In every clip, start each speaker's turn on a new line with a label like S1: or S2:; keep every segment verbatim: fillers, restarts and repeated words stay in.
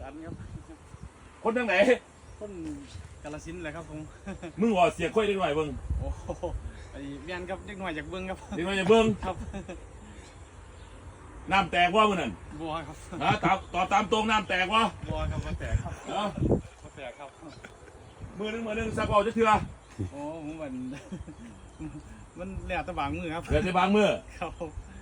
S1: นครับ
S2: คนทางไหน
S1: คนกาฬสินธุ์เลยครับผม
S2: มึงว่าเสียค่อยได้หน่อยเบิ้ง
S1: โอ้โหไอ้เมียนครับเด็กหน่อยจากเบิ้งครับ
S2: เด็กน้อยจากเบิ้ง
S1: ครับ
S2: น้ำแตกว่ามึงนั่น
S1: บัวครับ
S2: นะตามต่อตามตรงน้ำแตกวะ
S1: บัวครับบัวแตกครับ
S2: เนาะ
S1: บัวแตกครับ
S2: มือนึงมือนึงสักเอาจะเถื่อ
S1: โอ้ผมมันมันแหลกตะบางมือครับ
S2: เดี๋ยวจะบางมือ
S1: ครับ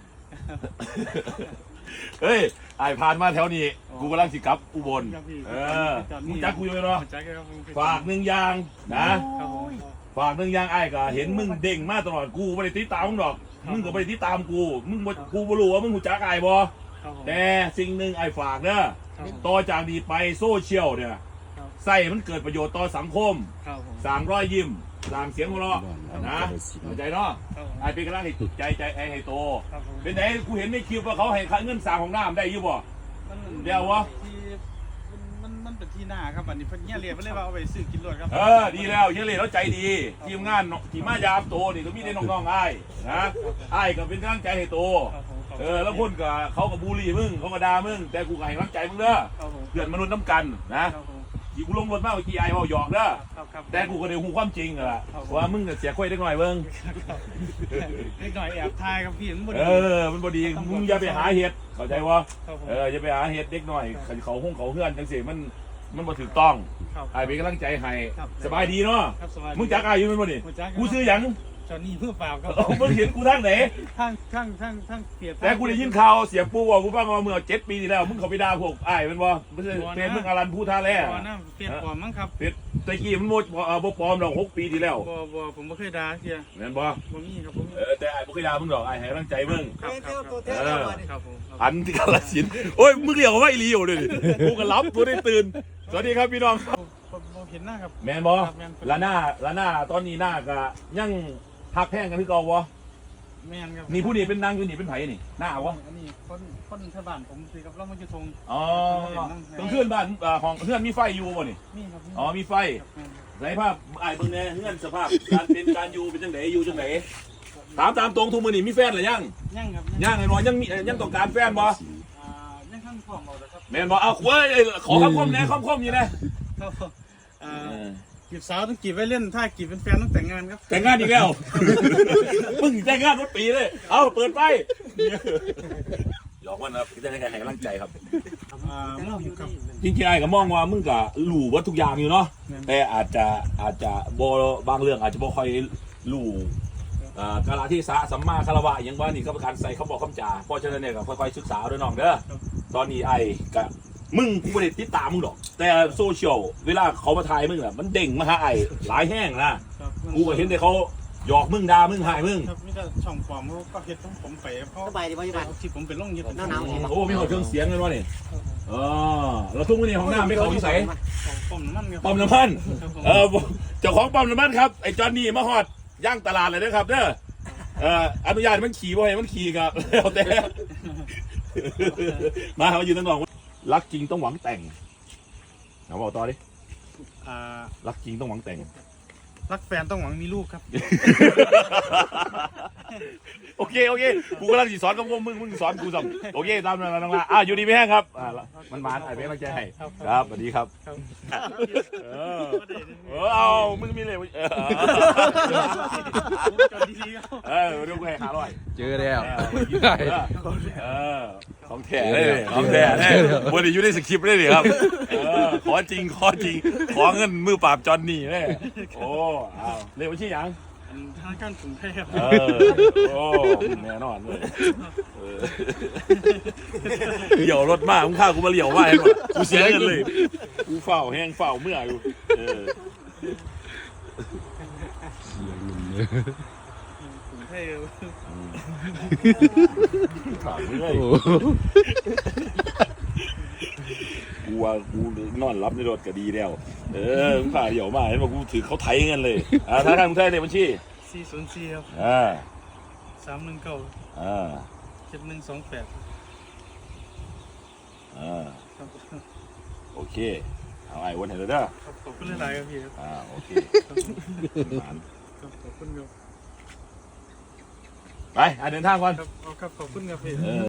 S2: เฮ้ยไอ้ผ่านมาแถวนี้กูกำลังสิกลับอุบลเออมึงจักกูอยู่เนาะฝากหนึ่งอย่างนะฝากหนึ่งอย่างไอ้ก็เห็นมึงเด้งมาตลอดกูไม่ได้ติดตามมึงหรอกมึงก็ไม่ได้ติดตามกูมึงกูไม่รู้ว่ามึงหูจักไอ้บ่แต่สิ่งหนึ่งไอ้ฝากเนอะต่อจากนี้ไปโซเชียลเนี่ยใส่มันเกิดประโยชน์ต่อสังคมสร้างรอยยิ้มสร้างเสียงหัวเราะนะเข้าใจเนาะไอ้เป็นกำลังให้ใจใจไอ้ให้โตเป็นไหนกูเห็นในคลิปว่าเขาให้เงินสร้างของน้ำได้ยี่บ่เดี๋ยววะ
S1: มันมันเป็นที่หน้าครับอันนี้เพิ่นเงี้ยเรียนเพิ่นเลยว่าเอาไปซื้อกินรถครับ
S2: เออดีแล้วเงี้ยเรียนแล้วใจดีทีมงานทีมมายามโตนี่ก็มีได้น้องๆไอ้นะไอ้ก็เป็นกำลังใจให้โตเออแล้วคนก็เขาก็บูลลี่มึงเขาก็ด่ามึงแต่กูก็ให้กำลังใจมึงเด้อเพื่อนมนุษย์น้ำกันนะกี่กูลงรถมากเมื่อกี้ไอ้เขาหยอกเด้อแต่กูก็ได้หูความจริงอะว่ามึงเสียค่อยได้หน่อยเบิ้ง
S1: เล็กหน่อยแอบทายครับพี่มันบ่ดี
S2: เออมันบ่ดีมึงอย่าไปหาเห็ดเข้าใจวะเอออย่าไปหาเห็ดเด็กหน่อยเขาห้องเขาเฮือนจังสิมันมันบ่ถูกต้องไอ้เป็นกำลังใจให้สบายดีเนาะมึงจักไอ้อยู่มันบ่นี่กูซื้อหยัง
S1: จอนนี่เพื่อเปล่าครับ
S2: มึงเห็นกูทางไหน
S1: ทางทางทางทางเปียก
S2: แต่กูได้ยินข่าวเสียงปูบอกกูฟังมาเมื่อเจ็ดปีที่แล้วมึงเขาไปด่าพวกไอ้เป็นบ่ไม่ใช่เป็นมึงอารันพูท่าแร่
S1: เปียกปลอมมั้งครับ
S2: เปียกตะกี้มันโมดบ่ปลอมหรอกหกปีที่แล้ว
S1: บ่บ่ผมไม่เคยด่าเสีย
S2: แม่นบ่
S1: บ่มีครับผม
S2: เออแต่ไอ้บ่เคยด่ามึงหรอกไอ้ให้กำลังใจมึง
S1: ครับครับผม
S2: อันที่กาฬสินธุ์โอ้ยมึงเรียกว่าไอ้ลีอยู่เลยกูก็รับกูได้ตื่นสวัสดีครับพี่น้อง
S1: ผมเห็นหน้าครับ
S2: แม่นบ่ละหน้าละหน้าตอนนี้หน้าก็ยังหักแพงกันคือเก่าวะ
S1: แม่นครับ
S2: นี่ผู้นี้เป็นนางอยู่นี่เป็นไผนี่หน้าวะ
S1: อันนี้คนคนชาวบ้านผมสิครับเรามาอยู่ทง
S2: อ๋อตรงเพื่อนบ้านของเพื่อนมีไฟอยู่บ่นี่
S1: มีครับ
S2: อ๋อมีไฟไรภาพไอ้เบิ่งแน่เพื่อนสภาพการเป็นการอยู่เป็นจังไดอยู่จังไดถามตามตรงทุกมื้อนี่มีแฟนหรือยัง
S1: ยังครับ
S2: ยังไอ้น้อยยังมียังต้องการแฟนบ่
S1: อ่ายังข้างของเราครับ
S2: แม่นบ่เอาเว้ยขอคำคมแน่คำคมอยู่นะ
S1: อ่าจีบสาวต้องจีบไว้เล่นถ้าจีบเป็นแฟนต้องแต่งงานครับ
S2: แต่งงานอีกแล้วมึงแต่งงานรถปีเลยเอาเปิดไฟหยอกมันครับจะให้กำลังใจครับจริงๆไอ้ก็มองว่ามึงก็หลู่วัตถุกอย่างอยู่เนาะแต่อาจจะอาจจะโบบางเรื่องอาจจะบ่ค่อยหลู่กาลที่สะสัมมาคารวะอย่างว่านี่ก็เป็นการใส่เขาบอกคำจ่าเพราะฉะนั้นเนี่ยก็ค่อยๆศึกษาด้วยน้องเด้อตอนนี้ไอ้ก็มึงกูไม่ได้ติดตามมึงหรอกแต่โซเชียลเวลาเขามาถ่ายมึงอะมันเด้งมาหาไอ้หลายแห้งนะกูก็เห็นแต่เขาหยอกมึงด่ามึงหายมึง
S1: ครับนี่ก็ช่องความเขาก็เห็นต้องผมไปเพราะ
S3: สบายดีป่ะที่บ้าน
S1: ที่ผมเป็นร่องยึด
S3: หนาว
S2: โอ้มีหัวเครื่องเสียงเลยวะนี่เออเราทุ่งไว้ในห้องน้ำไม่เขาที่ใส่
S1: ปั๊มน้ำมัน
S2: ปั๊มน้ำมันเออเจ้าของปั๊มน้ำมันครับไอ้จอนนี่มาฮอดย่างตลาดเลยนะครับเด้อเอ่ออนุญาตมันขี่บ่ให้มันขี่ครับแล้วแต่มาเขายืนตั้งนองรักจริงต้องหวังแต่งเอาบอกต่อดิรักจริงต้องหวังแต่ง
S1: รักแฟนต้องหวังมีลูกครับ
S2: โอเคโอเคกูกำลังสอนกับมึงมึงสอนกูสั่งโอเคตามนั้นน้องละอ่ะอยู่ดีไม่แห้งครับอ่ามันมาไอ้เบ๊กมาแจ้ให้ครับสวัสดีครับเออเออเอามึงมีเลยเออเดี๋ยวกูให้หาร้อย
S4: เจอแล้ว
S2: เออของแท้เลยของแท้เลยวันนี้อยู่ในสคริปต์เลยดิครับขอจริงขอจริงขอเงินมือปราบจอนนี่เลยโอ้เอาเรียกว่าชื่อยัง
S1: ทางการกรุงเทพ
S2: เออโอ้แน่นอนเลยเหลี่ยวรถมากมึงข้ากูมาเหลี่ยวมากให้หมดกูเสียเงินเลยกูเฝ้าแห้งเฝ้าเมื่ออยู่เออกรุงเทพถามเลยกูว่ากูนอนรับในรถก็ดีแล้วเออมึงผ่าเหี่ยวมากเห็นว่ากูถือเขาไถเงินเลยอ่าธนาคารกรุงเทพในบัญชี
S1: สี่ศูนย์สี่ครับ
S2: อ่า
S1: สามหนึ่งเก้า
S2: อ่า
S1: เจ็ดหนึ่งสองแปด
S2: อ่าโอเคเอาไอ้วันเห็นแล้วเด้อ
S1: ขอบคุณหลายๆครับพี่ครับ
S2: อ่าโอเคข
S1: อบคุณครับ
S2: ไปเดินทางก่อน
S1: ครับขอบคุณครับพี่